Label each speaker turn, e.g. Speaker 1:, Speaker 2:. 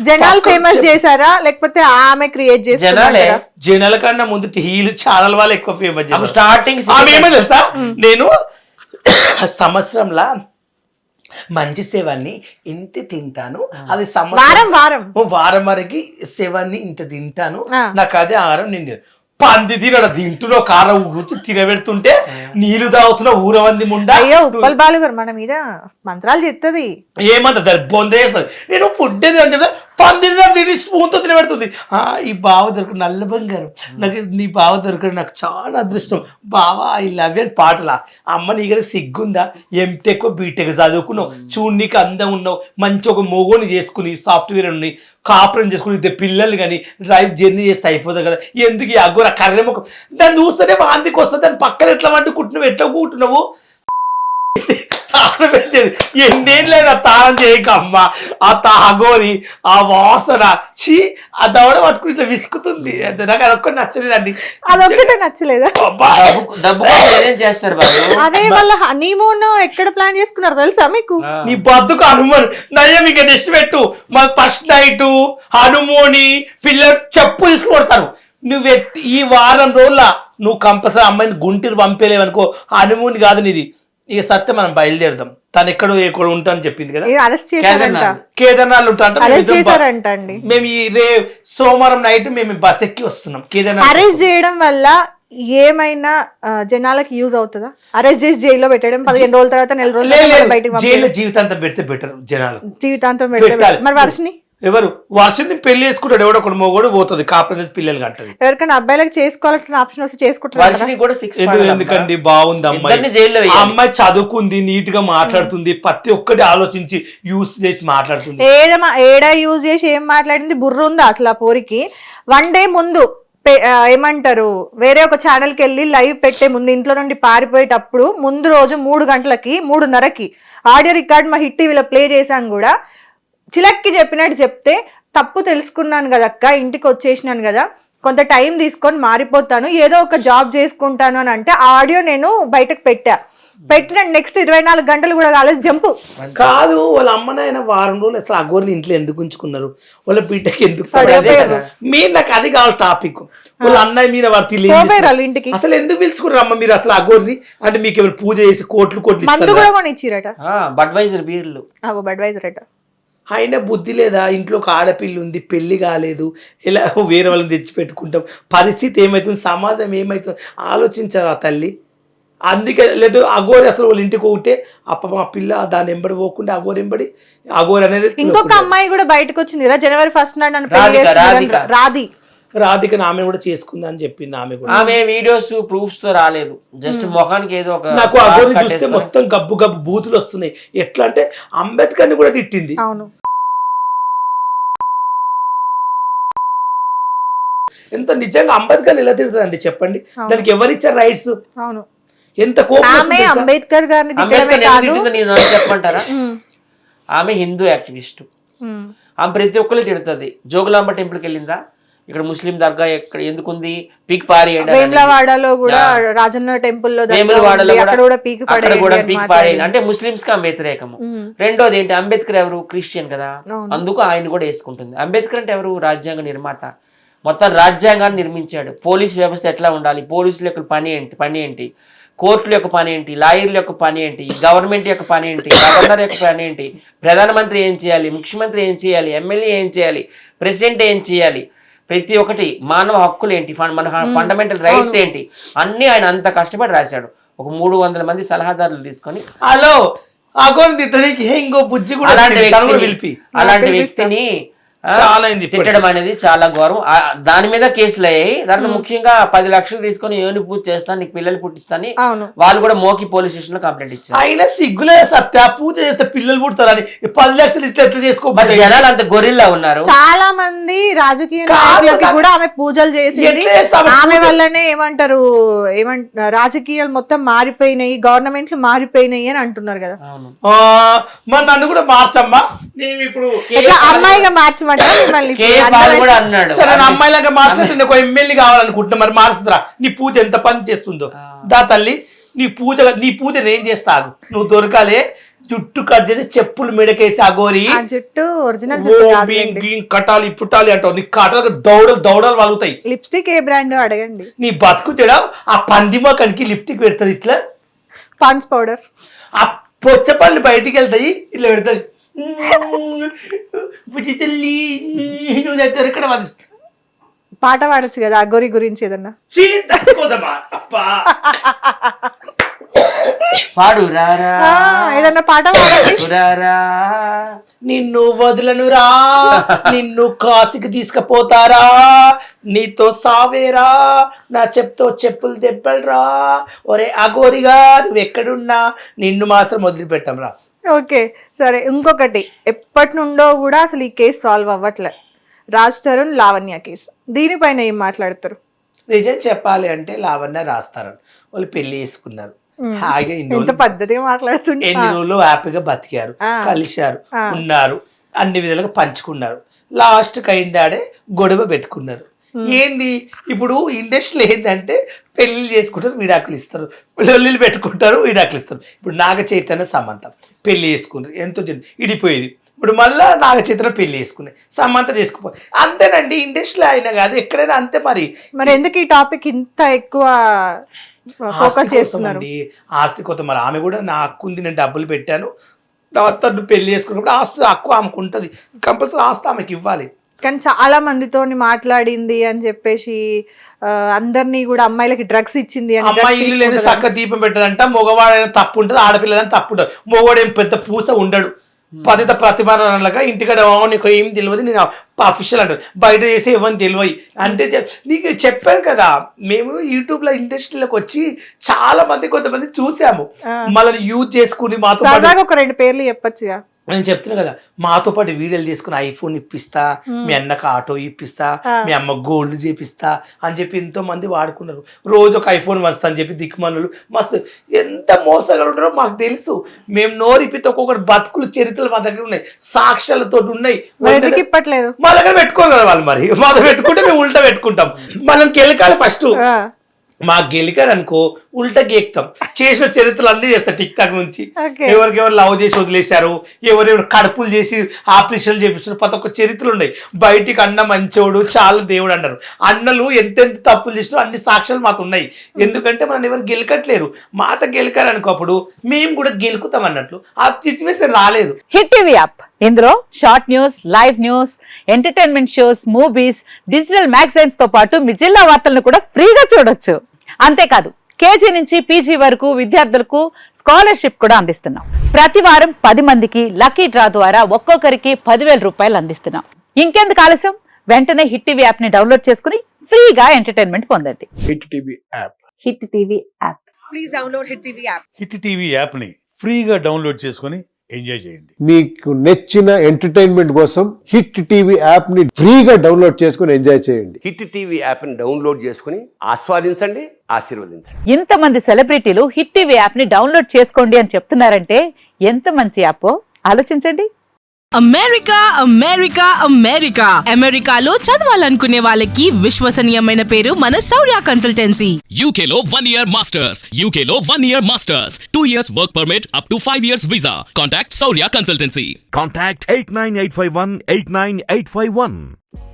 Speaker 1: జనాలు ఫేమస్ చేశారా లేకపోతే ఆమె క్రియేట్
Speaker 2: జనాలే
Speaker 1: చేశారా?
Speaker 3: జనాల కన్నా ముందు హీల్ ఛానల్ వాళ్ళు ఎక్కువ ఫేమస్ చేశారు.
Speaker 2: స్టార్టింగ్
Speaker 3: ఆమె ఏమో తెలుసా, నేను సంవత్సరంలా మంచి సేవాన్ని ఇంత తింటాను, అది వారం వరకు సేవాన్ని ఇంత తింటాను, నాకు అదే ఆహారం. నేను పంది తినడ తింటున్నా కారం కూర్చు తినబెడుతుంటే నీళ్లు తాగుతున్నా ఊరవంది ముండా.
Speaker 1: అయ్యో ఉప్పల్ బాలు గారు మన మీద మంత్రాలు చెప్తుంది.
Speaker 3: ఏమంత దాన్ని బొందేస్తుంది. నేను ఫుడ్ ఏది అని చెప్తే పంది తిని స్పూన్తో తినబెడుతుంది. ఈ బావ దొరకడు నల్ల బంగారం, నాకు నీ బావ దొరకడు నాకు చాలా అదృష్టం బావా ఐ లవ్ యూ అని పాటలా. అమ్మ నీ దగ్గర సిగ్గుందా, ఎంటెక్ బీటెక్ చదువుకున్నావు, చూడు నీకు అందం ఉన్నావు, మంచి ఒక మొగోని చేసుకుని సాఫ్ట్వేర్ ఉన్నాయి, కాపురం చేసుకుని ఇద్దరు పిల్లలు కానీ డ్రైవ్ జర్నీ చేస్తే అయిపోతుంది కదా, ఎందుకు ఈ అగ్గోర కర్రె ముఖం దాన్ని చూస్తేనే వాంతికి వస్తుంది, దాని పక్కన ఎట్లా వండుకుంటున్నావు, ఎట్లా కూర్చున్నావు, తాళం పెట్టేది ఎన్నేళ్ళైనా తాళం చేయక అమ్మ. ఆ తాగోని ఆ వాసన చీ ఆ దవడ పట్టుకుని ఇట్లా విసుకుతుంది. నాకు అదొక్కటి నచ్చలేదండి.
Speaker 1: అదొక్కటే నచ్చలేదా?
Speaker 2: డబ్బు చేస్తారు
Speaker 1: అదే వాళ్ళ హనీమూన్ ఎక్కడ ప్లాన్ చేసుకున్నారు తెలుసా మీకు?
Speaker 3: నీ బతుకు హనుమాన్ నయ్య మీకు నెక్స్ట్ పెట్టు మా ఫస్ట్ నైట్ హనుమోని పిల్లలు చెప్పు తీసుకుకొడతాను. నువ్వు ఈ వారం రోజుల నువ్వు కంపల్సరీ అమ్మాయిని గుంటూరు పంపేలేవనుకో హనుమూన్ కాదు నీది. ఇక సత్యం మనం బయలుదేరదాం. తను ఎక్కడ ఉంటా అని చెప్పింది కదా,
Speaker 1: అరెస్ట్ చేశారంట,
Speaker 3: కేదార్నాథ్ ఉంటా.
Speaker 1: అండి
Speaker 3: మేము ఈ సోమవారం నైట్ మేము బస్ ఎక్కి వస్తున్నాం కేదార్నాథ్.
Speaker 1: అరెస్ట్ చేయడం వల్ల ఏమైనా జనాలకి యూజ్ అవుతుందా? అరెస్ట్ చేసి జైల్లో పెట్టడం 15 రోజుల తర్వాత 4 రోజులు బయటకు
Speaker 3: జైల్లో జీవితాంతం పెడితే బెటర్. జనాలు
Speaker 1: జీవితాంతం పెడితే మరి వర్షని
Speaker 3: ఎవరు వర్షని పెళ్లి చేసుకుంటాడు, ఎవడో ఒకటి మొగోడు పోతుంది కాపురం పిల్లలు కంటది.
Speaker 1: ఎవరికైనా అబ్బాయిలకు చేసుకోవాల్సిన ఆప్షన్ వస్తే చేసుకుంటారు.
Speaker 3: ఎందుకండి బాగుంది అమ్మాయి, అమ్మాయి చదువుకుంది, నీట్ గా మాట్లాడుతుంది, ప్రతి ఒక్కటి ఆలోచించి యూస్ చేసి మాట్లాడుతుంది.
Speaker 1: ఏడా యూజ్ చేసి ఏం మాట్లాడింది బుర్ర ఉందా అసలు ఆ పోరికి? 1 డే ముందు ఏమంటారు వేరే ఒక ఛానల్కి వెళ్ళి లైవ్ పెట్టే ముందు ఇంట్లో నుండి పారిపోయేటప్పుడు ముందు రోజు 3 గంటలకి 3:30కి ఆడియో రికార్డ్ మా హిట్ టీవీలో ప్లే చేశాం కూడా. చిలక్కి చెప్పినట్టు చెప్తే తప్పు తెలుసుకున్నాను కదక్క, ఇంటికి వచ్చేసినాను కదా, కొంత టైం తీసుకొని మారిపోతాను, ఏదో ఒక జాబ్ చేసుకుంటాను అని అంటే ఆ ఆడియో నేను బయటకు పెట్టిన నెక్స్ట్ 24 గంటలు కూడా కాలేదు జంపు.
Speaker 3: కాదు వాళ్ళ అమ్మనాయన వారం రోజులు అసలు అగోరిని ఇంట్లో ఎందుకు ఉంచుకున్నారు, వాళ్ళ బిడ్డకి ఎందుకు మీరు నాకు అది కావాలి టాపిక్. వాళ్ళ అన్నయ్య మీద వారు
Speaker 1: ఇంటికి
Speaker 3: అసలు ఎందుకు పిలుచుకున్నారు అమ్మ మీరు అసలు అగోరిని? అంటే మీకు ఎవరు పూజ చేసి కోట్లు
Speaker 1: మందు కూడా కొని ఇచ్చిరట,
Speaker 2: బడ్వైజర్ బీర్లు
Speaker 1: బడ్వైజర్ అట.
Speaker 3: అయినా బుద్ధి లేదా, ఇంట్లో ఒక ఆడపిల్ల ఉంది, పెళ్లి కాలేదు, ఇలా వేరే వాళ్ళని తెచ్చి పెట్టుకుంటాం, పరిస్థితి ఏమవుతుంది, సమాజం ఏమవుతుంది ఆలోచించారు ఆ తల్లి. అందుకే లేదు అగోరి అసలు వాళ్ళ ఇంటికి ఒకటే మా పిల్ల దాన్ని ఎంబడి పోకుండా అగోరి ఎంబడి అగోరి అనేది.
Speaker 1: ఇంకొక అమ్మాయి కూడా బయటకు వచ్చింది కదా జనవరి 1 నాడు,
Speaker 3: రాధిక ఆమె కూడా చేసుకుందా అని చెప్పింది. ఆమె కూడా
Speaker 2: ఆమె వీడియోస్ ప్రూఫ్స్ తో రాలేదు, జస్ట్ ముఖానికి ఏదో ఒక.
Speaker 3: నాకు అగోరిని చూస్తే మొత్తం గబ్బు గబ్బు బూతులు వస్తున్నాయి. ఎట్లా అంటే అంబేద్కర్ ని కూడా తిట్టింది.
Speaker 1: అవును,
Speaker 3: ఎంత నిజంగా అంబేద్కర్ ఎలా తిడుతుందండి చెప్పండి, దానికి ఎవరిచ్చారు రైట్స్?
Speaker 1: అవును,
Speaker 3: ఎంత కోపం.
Speaker 1: అంబేద్కర్ గారిని
Speaker 2: చెప్పంటారా? ఆమె హిందూ యాక్టివిస్ట్, ఆమె ప్రతి ఒక్కరు తిడుతుంది. జోగులాంబ టెంపుల్కి వెళ్ళిందా, ఇక్కడ ముస్లిం దర్గా ఎక్కడ ఎందుకుంది, పీక్ పారేయండి.
Speaker 1: వేములవాడలో కూడా రాజన్న టెంపుల్ లో పీక్
Speaker 2: పారేయండి అంటే ముస్లింస్ కి ఆమె వ్యతిరేకము. రెండోది ఏంటి, అంబేద్కర్ ఎవరు, క్రిస్టియన్ కదా, అందుకు ఆయన కూడా వేసుకుంటుంది. అంబేద్కర్ అంటే ఎవరు, రాజ్యాంగ నిర్మాత, మొత్తం రాజ్యాంగాన్ని నిర్మించాడు. పోలీస్ వ్యవస్థ ఎట్లా ఉండాలి, పోలీసుల యొక్క పని ఏంటి, కోర్టుల యొక్క పని ఏంటి, లాయర్ల యొక్క పని ఏంటి, గవర్నమెంట్ యొక్క పని ఏంటి, గవర్నర్ యొక్క పని ఏంటి, ప్రధానమంత్రి ఏం చేయాలి, ముఖ్యమంత్రి ఏం చేయాలి, ఎమ్మెల్యే ఏం చేయాలి, ప్రెసిడెంట్ ఏం చేయాలి, ప్రతి ఒక్కటి మానవ హక్కులు ఏంటి, మన ఫండమెంటల్ రైట్స్ ఏంటి, అన్ని ఆయన అంత కష్టపడి రాశాడు. ఒక 300 మంది సలహాదారులు తీసుకొని అలాంటి వ్యక్తిని తిట్టడం అనేది చాలా ఘోరం. దాని మీద కేసులు అయ్యాయి. దాంట్లో ముఖ్యంగా 10 లక్షలు తీసుకొని యోని పూజ చేస్తాను, నీకు పిల్లలు పుట్టిస్తాను, వాళ్ళు కూడా మోకి పోలీస్ స్టేషన్ లో కంప్లైంట్ ఇచ్చారు.
Speaker 3: అయినా సిగ్గులే సత్య, పూజ చేస్తే పిల్లలు పుడతారని 10 లక్షలు ఇట్లా ఎట్లా చేసుకో.
Speaker 2: జనాలు అంత గొర్రెల్లా ఉన్నారు.
Speaker 1: చాలా మంది రాజకీయ నాయకులకి కూడా ఆమె పూజలు చేసింది, ఆమె వల్లనే రాజకీయాలు మొత్తం మారిపోయినాయి, గవర్నమెంట్లు మారిపోయినాయి అని అంటున్నారు కదా.
Speaker 3: మరి నన్ను కూడా మార్చమ్మా, నేను ఇప్పుడు
Speaker 1: అమ్మాయిగా మార్చ
Speaker 3: అమ్మాయిలాగా మాట్లాడుతుంది. ఒక ఎమ్మెల్యే కావాలనుకుంటున్నా, మరి మారుతుందిరా. నీ పూజ ఎంత పని చేస్తుందో దా తల్లి, నీ పూజ నేను చేస్తాను, నువ్వు దొరకాలే, జుట్టు కట్ చేసి చెప్పులు మెడకేసి అగోరి
Speaker 1: ఆ జుట్టు ఒరిజినల్ జుట్టు కాదులేండి.
Speaker 3: కట్టాలి పుట్టాలి అంటావు, నీ కట్టాలి దౌడలు వాలుగుతాయి.
Speaker 1: లిప్స్టిక్ ఏ బ్రాండ్ అడగండి.
Speaker 3: నీ బతుకు చెడ ఆ పందిమోకానికి లిప్టిక్ పెడుతుంది ఇట్లా,
Speaker 1: పాన్స్ పౌడర్,
Speaker 3: ఆ పొచ్చ పళ్ళు బయటికి వెళ్తాయి ఇట్లా పెడతాయి. బుజ్జి తల్లి నువ్వు దగ్గర ఇక్కడ
Speaker 1: పాట పాడొచ్చు కదా అగోరి గురించి ఏదన్నా.
Speaker 2: పాడు రారా
Speaker 1: ఏదన్నా పాట పాడండి.
Speaker 2: రారా
Speaker 3: నిన్ను వదలనురా, నిన్ను కాశీకి తీసుకుపోతారా, నీతో సావేరా, నా చెప్పులు దెబ్బలరా, ఒరే అగోరిగా నువ్వు ఎక్కడున్నా నిన్ను మాత్రం వదిలిపెట్టంరా.
Speaker 1: ఓకే సరే, ఇంకొకటి ఎప్పటి నుండో కూడా అసలు ఈ కేసు సాల్వ్ అవ్వట్లే, రాజ్ తరుణ్ లావణ్య కేసు. దీనిపైన ఏం మాట్లాడతారు?
Speaker 3: నిజం చెప్పాలి అంటే లావణ్య రాస్తారని వాళ్ళు పెళ్లి చేసుకున్నారు, హాయిగా
Speaker 1: ఎంత పద్ధతిగా మాట్లాడుతుంటే
Speaker 3: ఎన్ని రోజులు హ్యాపీగా బతికారు, కలిశారు, ఉన్నారు, అన్ని విధాలుగా పంచుకున్నారు. లాస్ట్కి అయిందాడే గొడవ పెట్టుకున్నారు. ఏంది ఇప్పుడు ఇండస్ట్రీలో ఏంటంటే పెళ్లిళ్ళు చేసుకుంటారు, విడాకులు ఇస్తారు, పెళ్ళిళ్ళు పెట్టుకుంటారు, విడాకులు ఇస్తారు. ఇప్పుడు నాగ చైతన్య సమంత పెళ్లి చేసుకున్నారు, ఎంతో ఇడిపోయేది. ఇప్పుడు మళ్ళా నాగ చైతన్య పెళ్లి చేసుకున్నాయి, సమంత చేసుకుపో అంతేనండి. ఇండస్ట్రీలో అయినా కాదు ఎక్కడైనా అంతే. మరి
Speaker 1: ఎందుకు ఈ టాపిక్ ఇంత ఎక్కువ ఫోకస్ చేస్తున్నారు?
Speaker 3: ఆస్తి కొత్త మరి ఆమె కూడా నా హక్కు ఉంది, నేను డబ్బులు పెట్టాను, తను పెళ్లి చేసుకున్నప్పుడు ఆస్తి హక్కు ఆమెకు ఉంటుంది, కంపల్సరీ ఆస్తి ఆమెకి ఇవ్వాలి.
Speaker 1: కానీ చాలా మందితో మాట్లాడింది అని చెప్పేసి అందరినీ కూడా అమ్మాయిలకి డ్రగ్స్ ఇచ్చింది అని.
Speaker 3: అమ్మాయి ఇల్లు లేని చక్క దీపం పెట్టదంట, మగవాడైనా తప్పు ఉంటుంది, ఆడపిల్లదని తప్పు ఉంటుంది. మగవాడు ఏం పెద్ద పూస ఉండడు, పతిత ప్రతిభలాగా ఇంటికాడ నీకు ఏం తెలియదు, నేను అఫీషియల్ అంటారు, బయట చేసి ఇవ్వని తెలియదు అంటే. నీకు చెప్పాను కదా, మేము యూట్యూబ్ లో ఇండస్ట్రీలోకి వచ్చి చాలా మంది కొంతమంది చూసాము, మళ్ళీ యూజ్ చేసుకుని మాతో
Speaker 1: ఒక 2 పేర్లు చెప్పొచ్చుగా.
Speaker 3: నేను చెప్తున్నా కదా, మాతో పాటు వీడియోలు తీసుకుని ఐఫోన్ ఇప్పిస్తా, మీ అన్నకు ఆటో ఇప్పిస్తా, మీ అమ్మ గోల్డ్ చేపిస్తా అని చెప్పి ఎంతో మంది వాడుకున్నారు. రోజు ఒక ఐఫోన్ వస్తా అని చెప్పి దిక్కుమనులు మస్తు ఎంత మోసగా ఉంటారో మాకు తెలుసు. మేము నోరిపితే ఒక్కొక్కటి బతుకులు చరిత్రలు మా దగ్గర ఉన్నాయి, సాక్ష్యాలతో ఉన్నాయి.
Speaker 1: ఇప్పట్లేదు
Speaker 3: మా దగ్గర పెట్టుకోరు కదా వాళ్ళు, మరి మా దగ్గర పెట్టుకుంటే మేము ఉల్టా పెట్టుకుంటాం. మనం కెలకాలి ఫస్ట్. మా గెలికారు అనుకో ఉల్టా గేక్తాం, చేసిన చరిత్రలు అన్నీ చేస్తారు. టిక్ టాక్ నుంచి ఎవరికెవరు లవ్ చేసి వదిలేశారు, ఎవరెవరు కడుపులు చేసి ఆపరేషన్లు చేపించారు, ప్రతి ఒక్క చరిత్రలు ఉన్నాయి. బయటికి అన్న మంచోడు చాలా దేవుడు అన్నారు, అన్నలు ఎంతెంత తప్పులు చేసినా అన్ని సాక్ష్యాలు మాకు ఉన్నాయి. ఎందుకంటే మనం ఎవరు గెలకట్లేరు, మాత గెలికారు అనుకో అప్పుడు మేము కూడా గెలుకుతాం అన్నట్లు. ఆ సిచ్యువేషన్ రాలేదు.
Speaker 4: హిట్ టీవీ యాప్, ఇందులో short news, live news, entertainment shows, movies, digital magazines తో పాటు మీ జిల్లా వార్తలను కూడా ఫ్రీగా చూడొచ్చు. అంతేకాదు కేజీ నుంచి పీజీ వరకు విద్యార్థులకు స్కాలర్షిప్ కూడా అందిస్తున్నాం. ప్రతి వారం 10 మందికి లక్కీ డ్రా ద్వారా ఒక్కొక్కరికి 10,000 రూపాయలు అందిస్తున్నాం. ఇంకెందుకు ఆలస్యం, వెంటనే హిట్ టీవీ యాప్ ని డౌన్లోడ్ చేసుకుని ఫ్రీగా ఎంటర్టైన్మెంట్ పొందండి.
Speaker 5: Hit TV app,
Speaker 4: hit TV app,
Speaker 6: please download hit TV app.
Speaker 5: Hit TV app ని ఫ్రీగా డౌన్లోడ్ చేసుకొని ఎంజాయ్ చేయండి.
Speaker 7: మీకు నచ్చిన ఎంటర్టైన్మెంట్ కోసం హిట్ టీవీ యాప్ ని ఫ్రీగా డౌన్లోడ్ చేసుకొని ఎంజాయ్ చేయండి.
Speaker 8: హిట్ టీవీ యాప్ ని డౌన్లోడ్ చేసుకుని ఆస్వాదించండి, ఆశీర్వదించండి.
Speaker 4: ఇంతమంది సెలబ్రిటీలు హిట్ టీవీ యాప్ ని డౌన్లోడ్ చేసుకోండి అని చెప్తున్నారంటే ఎంత మంచి యాప్ ఆలోచించండి.
Speaker 6: అమెరికా అమెరికా అమెరికా అమెరికాలో చదవాలనుకునే వాళ్ళకి విశ్వసనీయమైన పేరు మన శౌర్య కన్సల్టెన్సీ.
Speaker 9: UK లో 1 year masters, UK లో 1 year masters, 2 years work permit up to 5 years visa. Contact Saurya Consultancy.
Speaker 10: Contact 89851 89851.